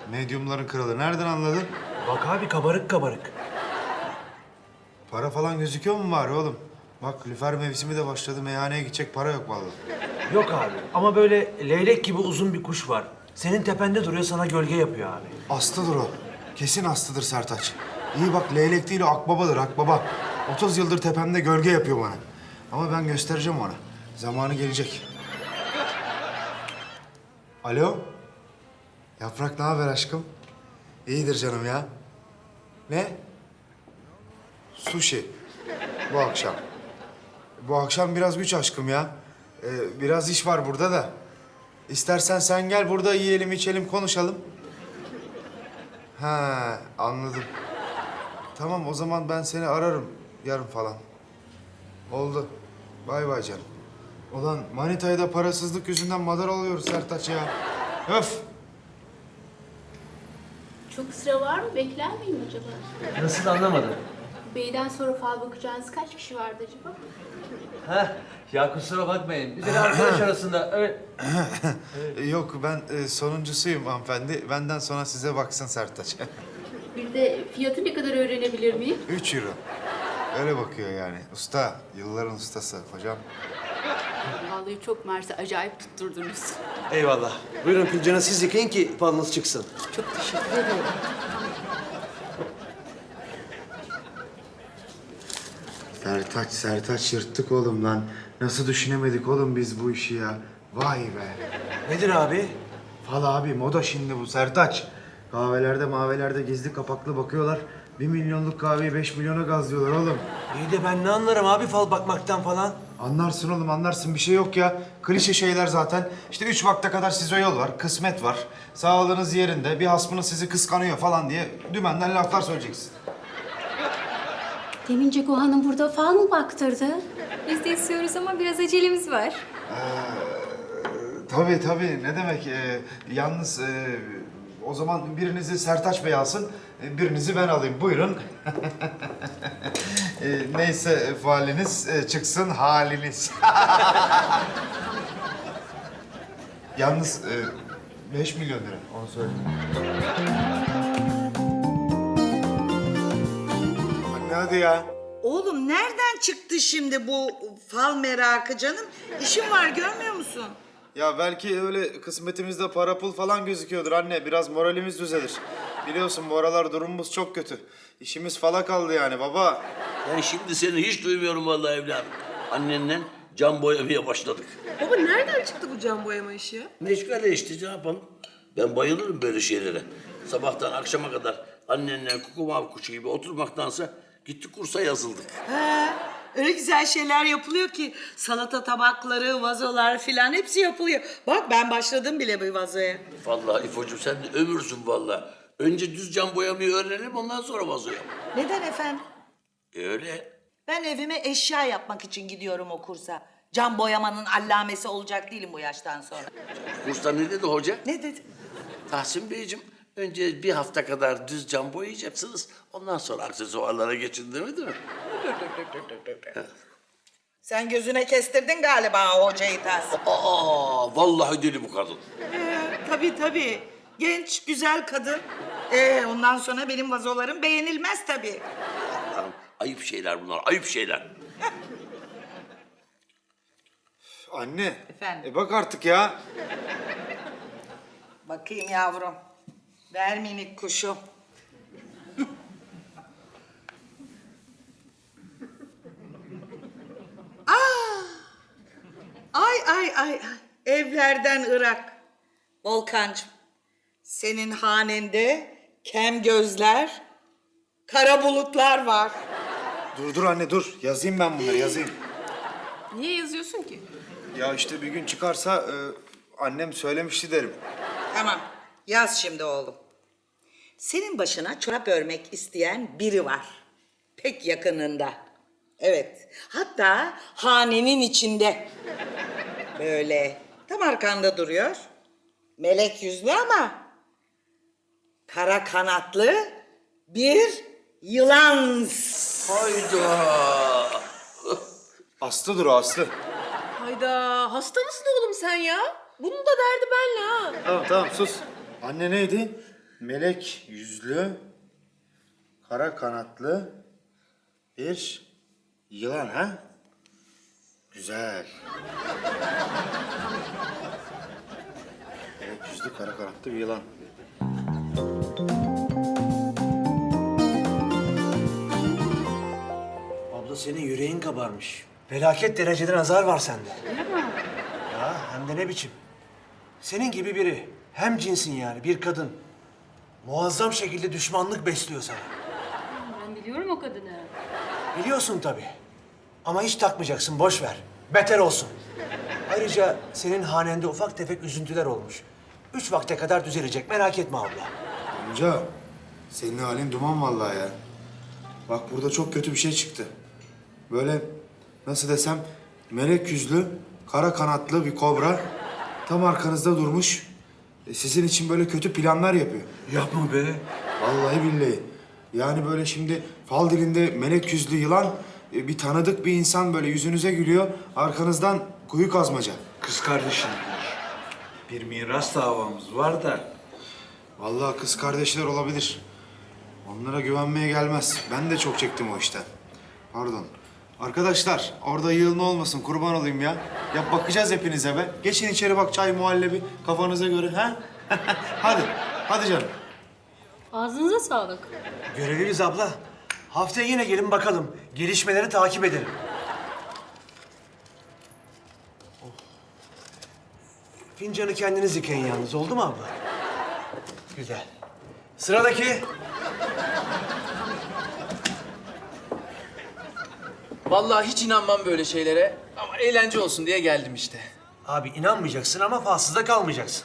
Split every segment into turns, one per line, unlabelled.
Medyumların kralı. Nereden anladın?
Bak abi kabarık kabarık.
Para falan gözüküyor mu bari oğlum? Bak lüfer mevsimi de başladı. Meyhaneye gidecek para yok vallahi.
Yok abi ama böyle leylek gibi uzun bir kuş var. Senin tepende duruyor, sana gölge yapıyor abi.
Aslıdır o. Kesin aslıdır Sertaç. İyi bak leylek değil o akbabadır akbaba. 30 yıldır tepemde gölge yapıyor bana. Ama ben göstereceğim ona. Zamanı gelecek. Alo? Yaprak ne haber aşkım? İyidir canım ya. Ne? Sushi. Bu akşam. Bu akşam biraz güç aşkım ya. Biraz iş var burada da. İstersen sen gel burada yiyelim, içelim, konuşalım. Ha, anladım. Tamam o zaman ben seni ararım yarın falan. Oldu. Bay bay canım. Ulan manitaya da parasızlık yüzünden madar oluyoruz Sertaç ya. Öf!
Çok sıra var mı? Bekler miyim acaba?
Nasıl anlamadım?
Beyden sonra fal bakacağınız kaç kişi vardı acaba?
Heh, ya kusura bakmayın. Biz de arkadaş arasında öyle...
Yok ben sonuncusuyum hanımefendi. Benden sonra size baksın Sertaç.
Bir de fiyatı ne kadar öğrenebilir miyim?
3 euro. Öyle bakıyor yani. Usta, yılların ustası hocam.
Vallahi çok mersi, acayip tutturdunuz.
Eyvallah. Buyurun fincanı siz yıkayın ki falınız çıksın.
Çok teşekkür ederim.
Sertaç yırttık oğlum lan. Nasıl düşünemedik oğlum biz bu işi ya? Vay be.
Nedir abi?
Fal abi moda şimdi bu Sertaç. Kahvelerde mavelerde gizli kapaklı bakıyorlar. 1 milyonluk kahveyi 5 milyona gazlıyorlar oğlum.
İyi de ben ne anlarım abi fal bakmaktan falan.
Anlarsın oğlum anlarsın bir şey yok ya. Klişe şeyler zaten. İşte 3 vakte kadar size yol var, kısmet var. Sağlığınız yerinde, bir hasmınız sizi kıskanıyor falan diye dümenden laflar söyleyeceksin.
Demince Hanım burada fal mı baktırdı?
Biz de istiyoruz ama biraz acelemiz var.
Tabii ne demek. Yalnız o zaman birinizi Sertaç Bey alsın, birinizi ben alayım. Buyurun. Neyse faliniz çıksın haliniz. Yalnız 5 milyon lira onu söyleyeyim. Anne hadi ya.
Oğlum nereden çıktı şimdi bu fal merakı canım? İşim var görmüyor musun?
Ya belki öyle kısmetimizde para pul falan gözüküyordur anne. Biraz moralimiz düzelir. Biliyorsun bu aralar durumumuz çok kötü. İşimiz fala kaldı yani baba.
Ben şimdi seni hiç duymuyorum vallahi evladım. Annenle cam boyamaya başladık.
Baba nereden çıktı bu cam boyama işi ya?
Meşgale işte ne yapalım? Ben bayılırım böyle şeylere. Sabahtan akşama kadar annenle kukumav kuşu gibi oturmaktansa gittik kursa yazıldık.
He, öyle güzel şeyler yapılıyor ki salata tabakları, vazolar filan hepsi yapılıyor. Bak ben başladım bile bu vazoya.
Vallahi İfo'cum sen de ömürsün vallahi. Önce düz cam boyamayı öğrenelim ondan sonra vazoya.
Neden efendim?
Öyle.
Ben evime eşya yapmak için gidiyorum o kursa. Cam boyamanın allamesi olacak değilim bu yaştan sonra.
Kursta ne dedi hoca?
Ne dedi?
Tahsin Beyciğim önce bir hafta kadar düz cam boyayacaksınız. Ondan sonra aksesuarlara geçin demedi mi?
Sen gözüne kestirdin galiba o hocayı Tahsin.
Aa, vallahi deli bu kadın.
Tabii. Genç, güzel kadın. Ondan sonra benim vazolarım beğenilmez tabii.
Allah'ım, ayıp şeyler bunlar, ayıp şeyler.
Anne.
Efendim?
Bak artık ya.
Bakayım yavrum. Ver minik kuşum. Ay. Evlerden Irak. Volkancığım. Senin hanende kem gözler, kara bulutlar var.
Dur anne dur. Yazayım ben bunları yazayım.
Niye yazıyorsun ki?
Ya işte bir gün çıkarsa annem söylemişti derim.
Tamam. Yaz şimdi oğlum. Senin başına çorap örmek isteyen biri var. Pek yakınında. Evet. Hatta hanenin içinde. Böyle tam arkanda duruyor. Melek yüzlü ama kara kanatlı bir yılan.
Hayda.
Aslıdır o Aslı.
Hayda hasta mısın oğlum sen ya? Bunun da derdi benle ha.
Tamam sus. Anne neydi? melek yüzlü, kara kanatlı bir yılan ha? Güzel. Melek yüzlü, kara kanatlı bir yılan.
Abla senin yüreğin kabarmış. Felaket derecede nazar var sende. Ya hem de ne biçim. Senin gibi biri. Hem cinsin yani bir kadın. Muazzam şekilde düşmanlık besliyor sana.
Ben biliyorum o kadını.
Biliyorsun tabii. Ama hiç takmayacaksın, boş ver. Beter olsun. Ayrıca senin hanende ufak tefek üzüntüler olmuş. 3 vakte kadar düzelecek, merak etme abla.
Amca, senin halin duman vallahi ya. Bak burada çok kötü bir şey çıktı. Böyle nasıl desem melek yüzlü, kara kanatlı bir kobra tam arkanızda durmuş. Sizin için böyle kötü planlar yapıyor.
Yapma be.
Vallahi billahi. Yani böyle şimdi fal dilinde melek yüzlü yılan bir tanıdık bir insan böyle yüzünüze gülüyor. Arkanızdan kuyu kazmaca.
Kız kardeşim, bir miras davamız var da.
Vallahi kız kardeşler olabilir. Onlara güvenmeye gelmez. Ben de çok çektim o işten. Pardon. Arkadaşlar orada yığılma olmasın kurban olayım ya. Ya bakacağız hepinize be. Geçin içeri bak çay muhallebi kafanıza göre ha. Hadi. Hadi canım.
Ağzınıza sağlık.
Görevimiz abla. Haftaya yine gelin bakalım. Gelişmeleri takip edelim. Oh. Fincanı kendiniz yıkayın yalnız. Oldu mu abla? Güzel. Sıradaki.
Vallahi hiç inanmam böyle şeylere ama eğlence olsun diye geldim işte.
Abi inanmayacaksın ama falsızda kalmayacaksın.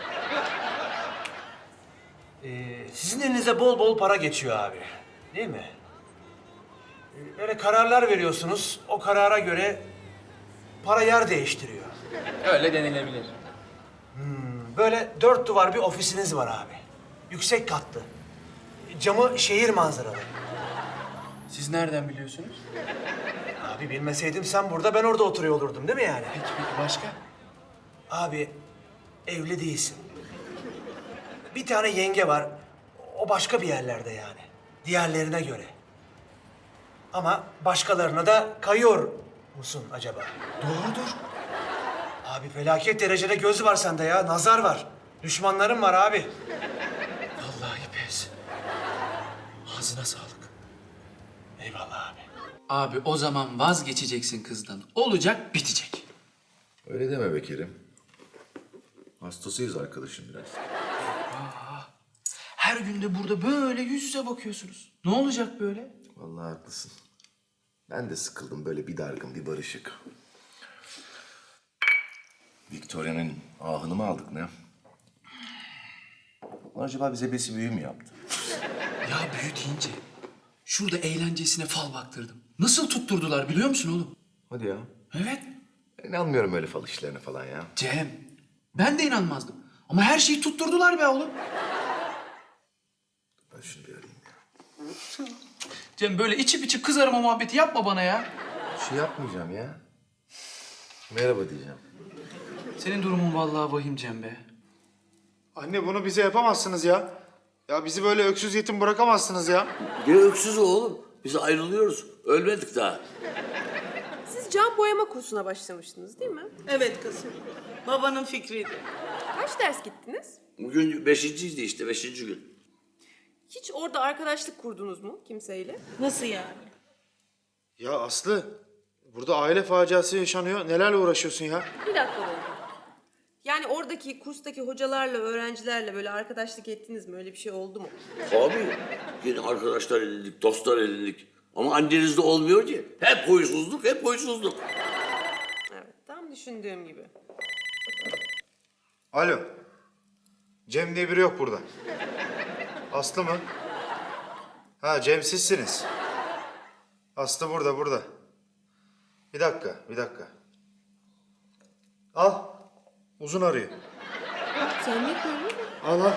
Sizin elinize bol bol para geçiyor abi. Değil mi? Böyle kararlar veriyorsunuz. O karara göre para yer değiştiriyor.
Öyle denilebilir.
Böyle 4 duvar bir ofisiniz var abi. Yüksek katlı. Camı şehir manzaralı.
Siz nereden biliyorsunuz?
Abi bilmeseydim sen burada ben orada oturuyor olurdum değil mi yani?
Peki başka?
Abi evli değilsin. Bir tane yenge var. O başka bir yerlerde yani. Diğerlerine göre. Ama başkalarına da kayıyor musun acaba? Doğrudur. Abi felaket derecede göz var sende ya. Nazar var. Düşmanların var abi.
Vallahi pes. Ağzına sağlık.
Eyvallah abi.
Abi o zaman vazgeçeceksin kızdan. Olacak bitecek.
Öyle deme be Kerim. Hastasıyız arkadaşım biraz.
Her gün de burada böyle yüz yüze bakıyorsunuz. Ne olacak böyle?
Vallahi haklısın. Ben de sıkıldım böyle bir dargın bir barışık. Victoria'nın ahını mı aldık ne? Acaba bize besi büyü mü yaptı?
Ya büyü deyince şurada eğlencesine fal baktırdım. Nasıl tutturdular biliyor musun oğlum?
Hadi ya.
Evet.
Ben inanmıyorum öyle fal işlerine falan ya.
Cem, ben de inanmazdım. Ama her şeyi tutturdular be oğlum.
Ben şunu bir arayayım ya.
Cem böyle içip içip kız arama muhabbeti yapma bana ya.
Bir şey yapmayacağım ya. Merhaba diyeceğim.
Senin durumun vallahi vahim Cem be.
Anne bunu bize yapamazsınız ya. Ya bizi böyle öksüz yetim bırakamazsınız ya.
Ne öksüzü oğlum? Biz ayrılıyoruz. Ölmedik daha.
Siz cam boyama kursuna başlamıştınız değil mi?
Evet kızım. Babanın fikriydi.
Kaç ders gittiniz?
Bugün 5.'ydi işte 5. gün.
Hiç orada arkadaşlık kurdunuz mu kimseyle?
Nasıl yani?
Ya Aslı burada aile faciası yaşanıyor. Nelerle uğraşıyorsun ya?
Bir dakika oldu. Yani oradaki kurstaki hocalarla, öğrencilerle böyle arkadaşlık ettiniz mi? Öyle bir şey oldu mu?
Abi yine arkadaşlar edindik, dostlar edindik. Ama annenizde olmuyor ki. Hep huysuzluk, hep huysuzluk.
Evet, tam düşündüğüm gibi.
Alo. Cem diye biri yok burada. Aslı mı? Ha Cem sizsiniz. Aslı burada, burada. Bir dakika, bir dakika. Al. Uzun arıyor.
Sen ne koyuyorsun?
Al al.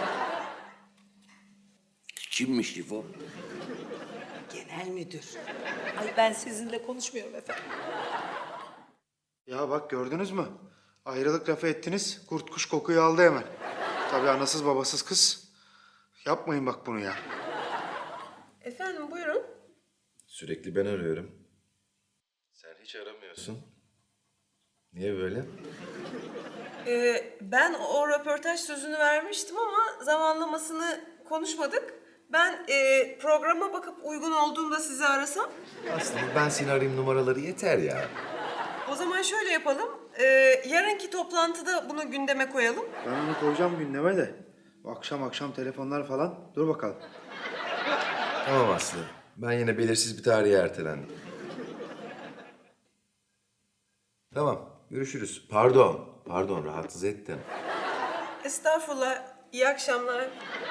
Kimmiş İfo?
Genel müdür. Ay ben sizinle konuşmuyorum efendim.
Ya bak gördünüz mü? Ayrılık lafı ettiniz, kurt kuş kokuyu aldı hemen. Tabii anasız babasız kız. Yapmayın bak bunu ya.
Efendim buyurun.
Sürekli ben arıyorum. Sen hiç aramıyorsun. Niye böyle?
Ben o röportaj sözünü vermiştim ama zamanlamasını konuşmadık. Ben programa bakıp uygun olduğunda sizi arasam.
Aslında ben seni arayayım numaraları yeter ya.
O zaman şöyle yapalım. Yarınki toplantıda bunu gündeme koyalım.
Ben onu koyacağım gündeme de. Akşam telefonlar falan. Dur bakalım.
Tamam Aslı. Ben yine belirsiz bir tarihe ertelendim. Tamam, görüşürüz. Pardon, rahatsız ettim.
Estağfurullah. İyi akşamlar.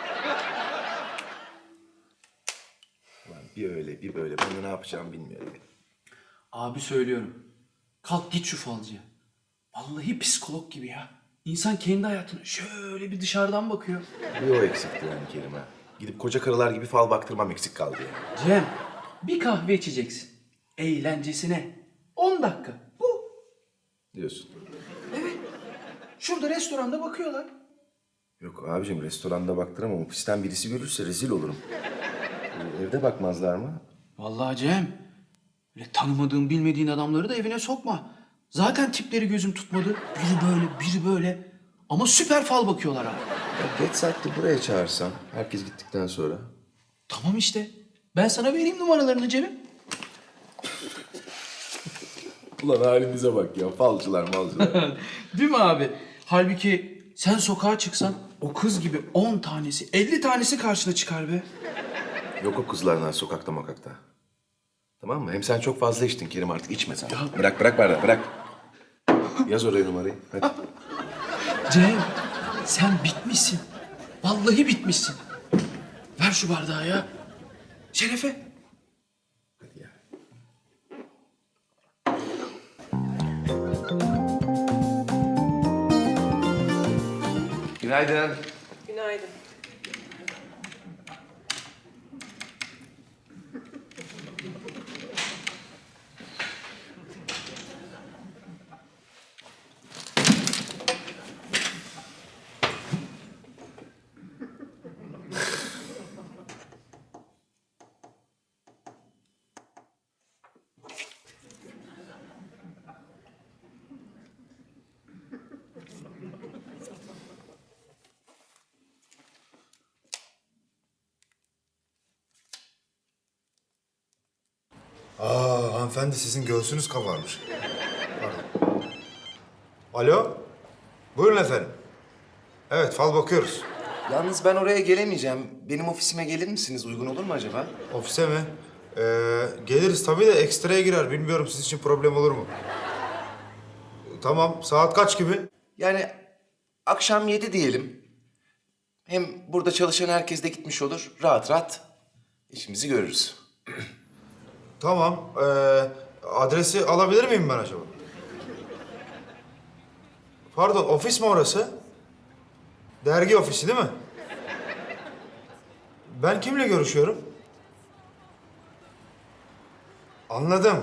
Ulan bir öyle, bir böyle. Ben de ne yapacağımı bilmiyorum.
Abi söylüyorum. Kalk git şu falcıya. Vallahi psikolog gibi ya. İnsan kendi hayatına şöyle bir dışarıdan bakıyor.
Bir o eksikti yani Kerim ha. Gidip koca karılar gibi fal baktırmam eksik kaldı yani.
Cem, bir kahve içeceksin. Eğlencesine. 10 dakika. Bu.
Diyorsun.
Şurada restoranda bakıyorlar.
Yok abicim restoranda baktıramam. Ofisten birisi görürse rezil olurum. Evde bakmazlar mı?
Vallahi Cem, öyle tanımadığın bilmediğin adamları da evine sokma. Zaten tipleri gözüm tutmadı. Biri böyle, biri böyle. Ama süper fal bakıyorlar abi.
Ya geç saatte buraya çağırsam, herkes gittikten sonra.
Tamam işte. Ben sana vereyim numaralarını Cem'im.
Ulan halimize bak ya, falcılar malcılar.
Değil mi abi? Halbuki sen sokağa çıksan o kız gibi 10 tanesi, 50 tanesi karşına çıkar be.
Yok o kızlardan sokakta makakta. Tamam mı? Hem sen çok fazla içtin Kerim, artık içme sen. Bırak bardağı, bırak. Yaz oraya numarayı, hadi.
Cem, sen bitmişsin. Vallahi bitmişsin. Ver şu bardağı ya. Şerefe.
Hadi ya. Günaydın.
Günaydın.
Hanımefendi sizin göğsünüz kabarmış. Pardon. Alo? Buyurun efendim. Evet, fal bakıyoruz.
Yalnız ben oraya gelemeyeceğim. Benim ofisime gelir misiniz? Uygun olur mu acaba?
Ofise mi? Geliriz tabii de ekstraya girer. Bilmiyorum sizin için problem olur mu? Tamam, saat kaç gibi?
Yani akşam 7 diyelim. Hem burada çalışan herkes de gitmiş olur. Rahat rahat işimizi görürüz.
Tamam. Adresi alabilir miyim ben acaba? Pardon, ofis mi orası? Dergi ofisi değil mi? Ben kimle görüşüyorum? Anladım.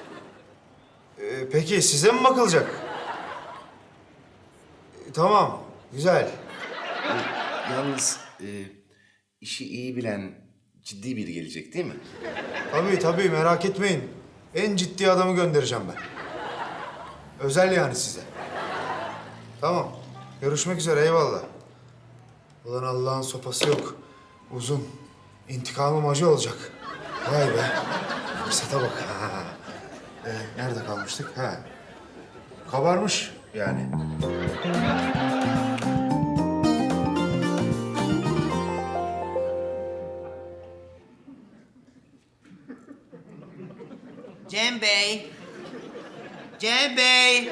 Peki size mi bakılacak? Tamam, güzel.
Yalnız işi iyi bilen ciddi biri gelecek değil mi?
Tabii merak etmeyin. En ciddi adamı göndereceğim ben. Özel yani size. Tamam. Görüşmek üzere eyvallah. Ulan Allah'ın sopası yok. Uzun. İntikamım acı olacak. Vay be. Fırsata bak. Ha. Nerede kalmıştık? Ha. Kabarmış yani.
Cem Bey. Cem Bey.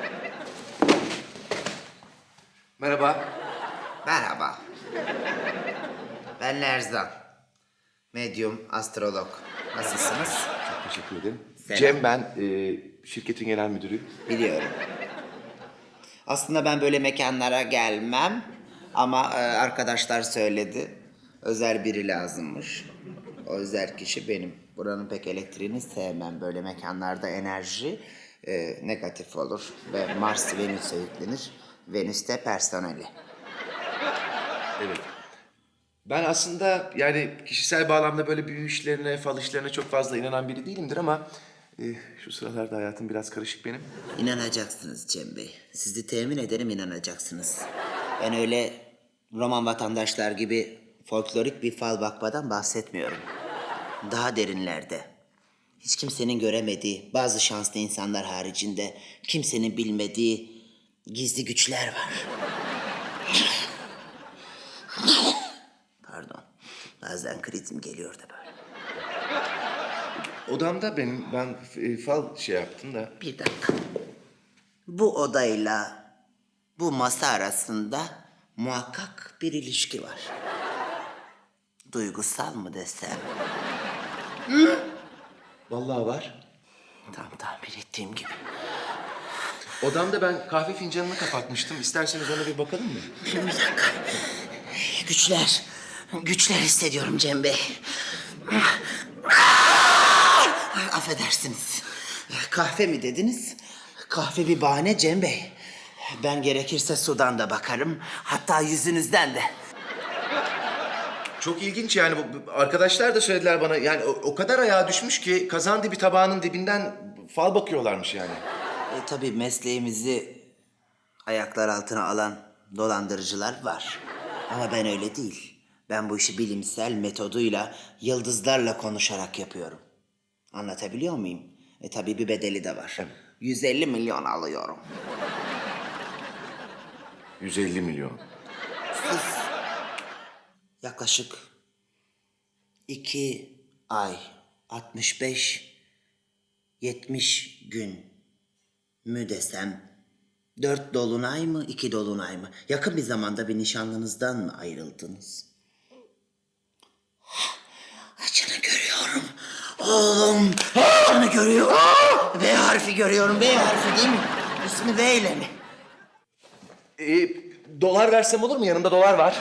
Merhaba.
Merhaba. Ben Lerzan. Medyum, astrolog. Nasılsınız?
Çok teşekkür ederim.
Selam.
Cem ben, şirketin genel müdürüyüm.
Biliyorum. Aslında ben böyle mekanlara gelmem. Ama arkadaşlar söyledi. Özel biri lazımmış. O özel kişi benim. Buranın pek elektriğini sevmem. Böyle mekanlarda enerji negatif olur. Ve Mars Venüs'e yüklenir. Venüs de personeli.
Evet. Ben aslında yani kişisel bağlamda böyle büyü işlerine, fal işlerine çok fazla inanan biri değilimdir ama... şu sıralarda hayatım biraz karışık benim.
İnanacaksınız Cem Bey. Sizi temin ederim inanacaksınız. Ben öyle roman vatandaşlar gibi folklorik bir fal bakmadan bahsetmiyorum. Daha derinlerde, hiç kimsenin göremediği, bazı şanslı insanlar haricinde kimsenin bilmediği gizli güçler var. Pardon, bazen krizim geliyor da böyle.
Odamda ben fal şey yaptım da...
Bir dakika. Bu odayla bu masa arasında muhakkak bir ilişki var. Duygusal mı desem?
Vallahi var.
Tam tahmin ettiğim gibi.
Odamda ben kahve fincanını kapatmıştım. İsterseniz ona bir bakalım mı?
Bir dakika. Güçler hissediyorum Cem Bey. Affedersiniz. Kahve mi dediniz? Kahve bir bahane Cem Bey. Ben gerekirse sudan da bakarım. Hatta yüzünüzden de.
Çok ilginç yani. Arkadaşlar da söylediler bana. Yani o kadar ayağa düşmüş ki kazan dibi tabağının dibinden fal bakıyorlarmış yani.
Tabii mesleğimizi ayaklar altına alan dolandırıcılar var. Ama ben öyle değil. Ben bu işi bilimsel metoduyla, yıldızlarla konuşarak yapıyorum. Anlatabiliyor muyum? Tabii bir bedeli de var. 150 milyon alıyorum.
150 milyon.
Siz yaklaşık 2 ay, 65-70 gün mü desem, 4 dolunay mı, 2 dolunay mı? Yakın bir zamanda bir nişanlınızdan mı ayrıldınız? Acını görüyorum. Oğlum, acını görüyorum. V harfi görüyorum. V harfi değil mi? İsmi V ile mi?
Dolar versem olur mu? Yanımda dolar var.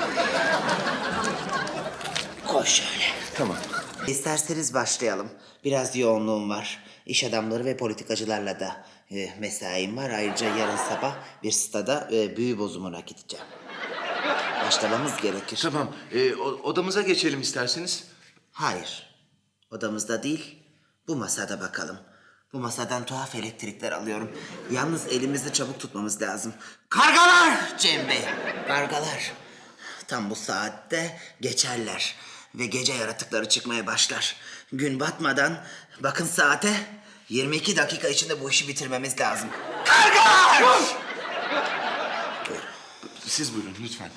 Koy şöyle.
Tamam.
İsterseniz başlayalım. Biraz yoğunluğum var. İş adamları ve politikacılarla da mesaim var. Ayrıca yarın sabah bir stada büyü bozumuna gideceğim. Başlamamız gerekir.
Tamam. Odamıza geçelim isterseniz.
Hayır. Odamızda değil, bu masada bakalım. Bu masadan tuhaf elektrikler alıyorum. Yalnız elimizi çabuk tutmamız lazım. Kargalar Cem Bey! Kargalar. Tam bu saatte geçerler. Ve gece yaratıkları çıkmaya başlar. Gün batmadan bakın saate 22 dakika içinde bu işi bitirmemiz lazım. Kargalar!
Siz buyurun lütfen.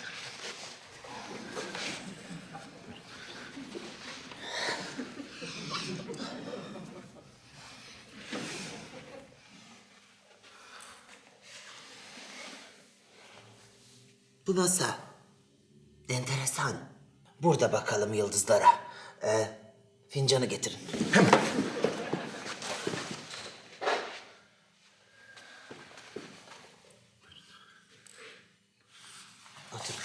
Bu masa enteresan. Burada bakalım yıldızlara. Fincanı getirin.
Hemen.
Oturun.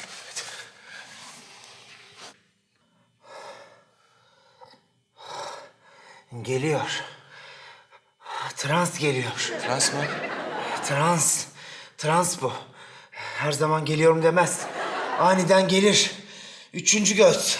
Geliyor. Trans geliyor.
Trans mı?
Trans. Trans bu. Her zaman geliyorum demez. Aniden gelir. Üçüncü göz.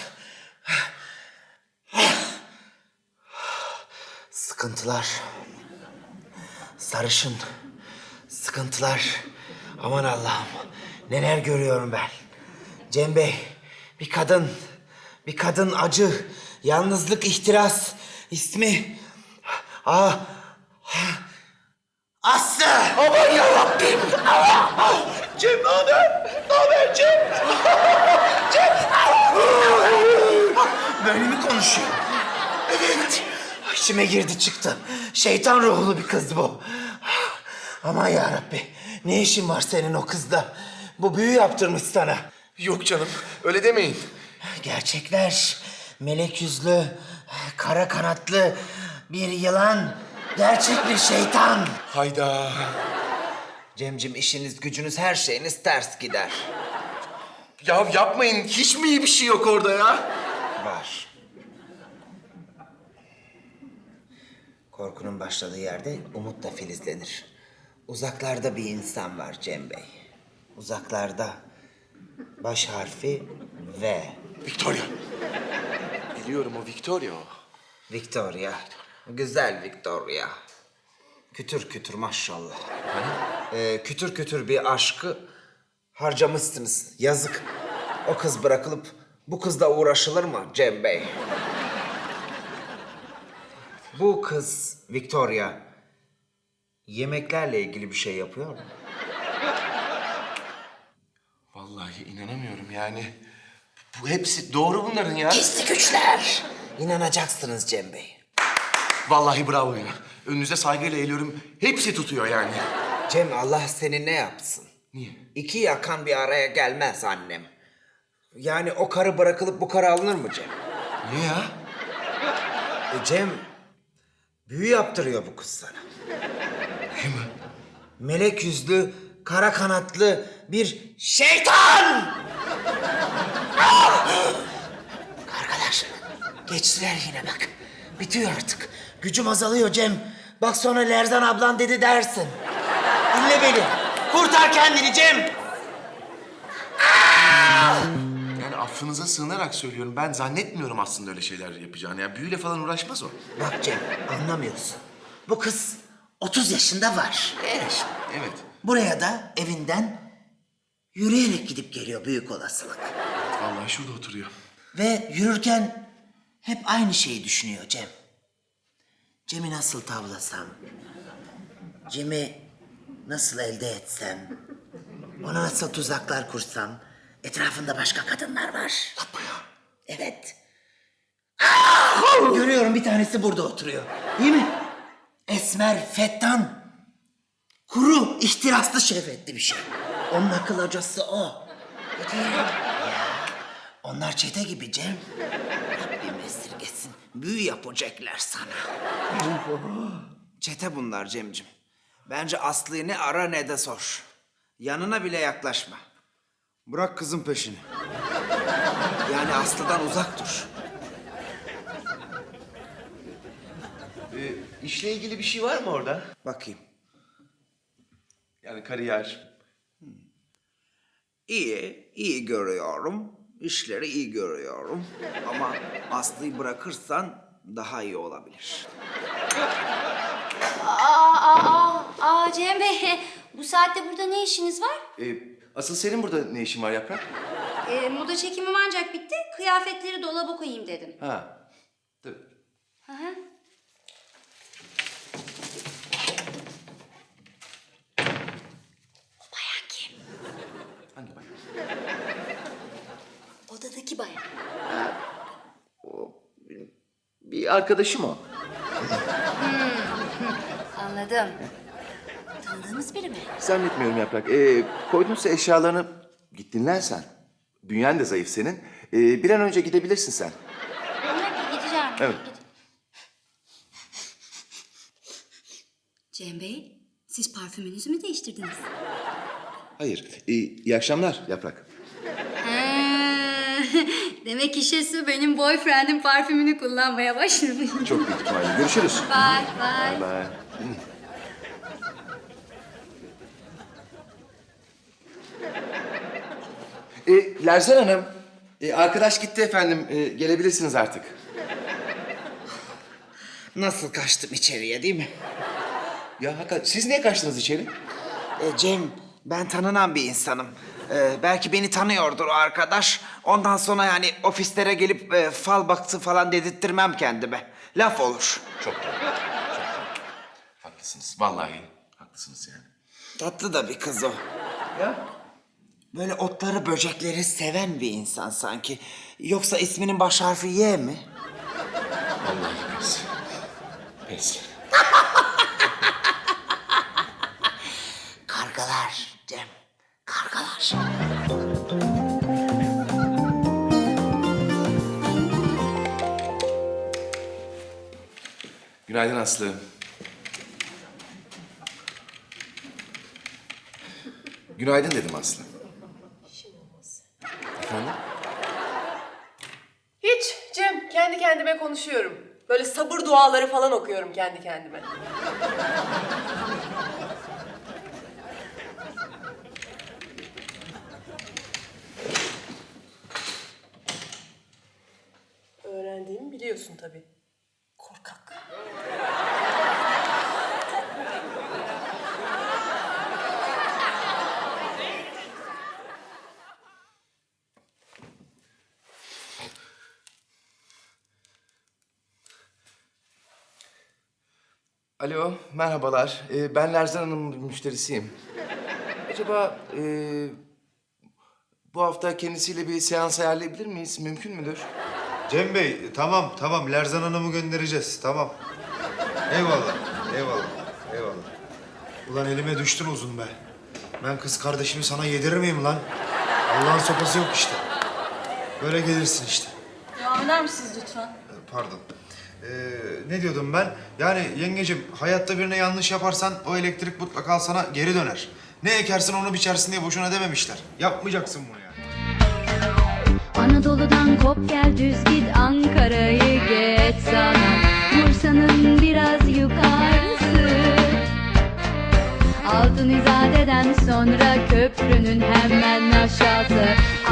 Sıkıntılar. Sarışın. Sıkıntılar. Aman Allah'ım. Neler görüyorum ben. Cem Bey, bir kadın. Bir kadın acı. Yalnızlık, ihtiras. İsmi... Aslı! Aman yarabbim!
Cem ne haber? Ne haber Cem?
Böyle mi konuşuyor? Evet. İçime girdi çıktı. Şeytan ruhlu bir kız bu. Aman yarabbi. Ne işin var senin o kızda? Bu büyü yaptırmış sana.
Yok canım öyle demeyin.
Gerçekler. Melek yüzlü, kara kanatlı bir yılan. Gerçek bir şeytan.
Hayda.
Cemcim işiniz, gücünüz, her şeyiniz ters gider.
Ya yapmayın. Hiç mi iyi bir şey yok orada ya?
Var. Korkunun başladığı yerde umut da filizlenir. Uzaklarda bir insan var Cem Bey. Uzaklarda. Baş harfi V.
Victoria. Biliyorum o Victoria o.
Victoria. Güzel Victoria. Kütür kütür maşallah. Kütür kütür bir aşkı harcamışsınız. Yazık. O kız bırakılıp bu kızla uğraşılır mı Cem Bey? Bu kız Victoria yemeklerle ilgili bir şey yapıyor mu?
Vallahi inanamıyorum yani. Bu hepsi doğru bunların ya.
Gizli güçler. İnanacaksınız Cem Bey.
Vallahi bravo ya. Önünüze saygıyla eğiliyorum. Hepsi tutuyor yani.
Cem Allah seni ne yapsın?
Niye?
İki yakan bir araya gelmez annem. Yani o karı bırakılıp bu karı alınır mı Cem?
Niye ya?
Cem, büyü yaptırıyor bu kız sana.
Büyü mü?
Melek yüzlü, kara kanatlı bir şeytan! Arkadaş, geçtiler yine bak. Bitiyor artık. Gücüm azalıyor Cem. Bak sonra Lerzan ablan dedi dersin. Dinle beni. Kurtar kendini Cem.
Yani affınıza sığınarak söylüyorum. Ben zannetmiyorum aslında öyle şeyler yapacağını. Ya büyüyle falan uğraşmaz o.
Bak Cem, anlamıyorsun. Bu kız 30 yaşında var.
Evet. Evet.
Buraya da evinden yürüyerek gidip geliyor büyük olasılık.
Vallahi şurada oturuyor.
Ve yürürken hep aynı şeyi düşünüyor Cem. Cem'i nasıl tavlasam? Cem'i nasıl elde etsem? Ona nasıl tuzaklar kursam? Etrafında başka kadınlar var.
Yapma ya.
Evet. Görüyorum bir tanesi burada oturuyor. Değil mi? Esmer, fettan. Kuru, ihtiraslı şehvetli bir şey. Onun akıl hocası o. Ya, onlar çete gibi Cem. Rabbim esirgesin. Büyü yapacaklar sana. Çete bunlar Cemcim. Bence Aslı'yı ne ara ne de sor. Yanına bile yaklaşma. Bırak kızın peşini. Yani Aslı'dan uzak dur.
İşle ilgili bir şey var mı orada?
Bakayım.
Yani kariyer.
İyi görüyorum. İşleri iyi görüyorum. Ama Aslı'yı bırakırsan daha iyi olabilir.
Cem Bey, bu saatte burada ne işiniz var?
Asıl senin burada ne işin var Yaprak?
Moda çekimim ancak bitti. Kıyafetleri dolaba koyayım dedim.
Ha. Tabii.
Hı hı. O bayan kim?
Hangi bak?
Odadaki bayan.
Bir arkadaşım o.
Anladım. Tanıdığınız biri mi?
Zannetmiyorum Yaprak. Koydunsa eşyalarını git dinlen sen. Bünyen de zayıf senin. Bir an önce gidebilirsin sen.
Gideceğim.
Evet.
Cem Bey, siz parfümünüzü mü değiştirdiniz?
Hayır. İyi akşamlar Yaprak.
Demek işe benim boyfriend'in parfümünü kullanmaya başlamış.
Çok büyük ihtimalle. Görüşürüz.
Bye.
Bye. Lerzan Hanım, arkadaş gitti efendim. Gelebilirsiniz artık.
Nasıl kaçtım içeriye değil mi?
Ya hakikaten siz niye kaçtınız içeri?
Cem, ben tanınan bir insanım. Belki beni tanıyordur o arkadaş. Ondan sonra yani ofislere gelip fal baktı falan dedirttirmem kendime. Laf olur.
Çok doğru. Çok doğru. Haklısınız. Vallahi haklısınız yani.
Tatlı da bir kız o.
Ya?
Böyle otları, böcekleri seven bir insan sanki. Yoksa isminin baş harfi Y mi?
Vallahi pes. Pes.
Kargalar Cem, kargalar.
Günaydın Aslı. Günaydın dedim Aslı. Efendim?
Hiç Cem, kendi kendime konuşuyorum. Böyle sabır duaları falan okuyorum kendi kendime. biliyorsun tabii. Korkak.
Alo, merhabalar. Ben Lerzan Hanım'ın müşterisiyim. Acaba bu hafta kendisiyle bir seans ayarlayabilir miyiz? Mümkün müdür?
Cem Bey, tamam. Lerzan Hanım'ı göndereceğiz, tamam. Eyvallah. Ulan elime düştün uzun be. Ben kız kardeşimi sana yedirir miyim lan? Allah'ın sopası yok işte. Böyle gelirsin işte.
Devam eder misiniz lütfen?
Pardon. Ne diyordum ben? Yani yengecim, hayatta birine yanlış yaparsan o elektrik mutlaka sana geri döner. Ne ekersin onu biçersin diye boşuna dememişler. Yapmayacaksın bunu yani.
Anadolu'dan kop gel düz git Ankara'yı geç sana Bursa'nın biraz yukarısı Altın İzade'den sonra köprünün hemen aşağısı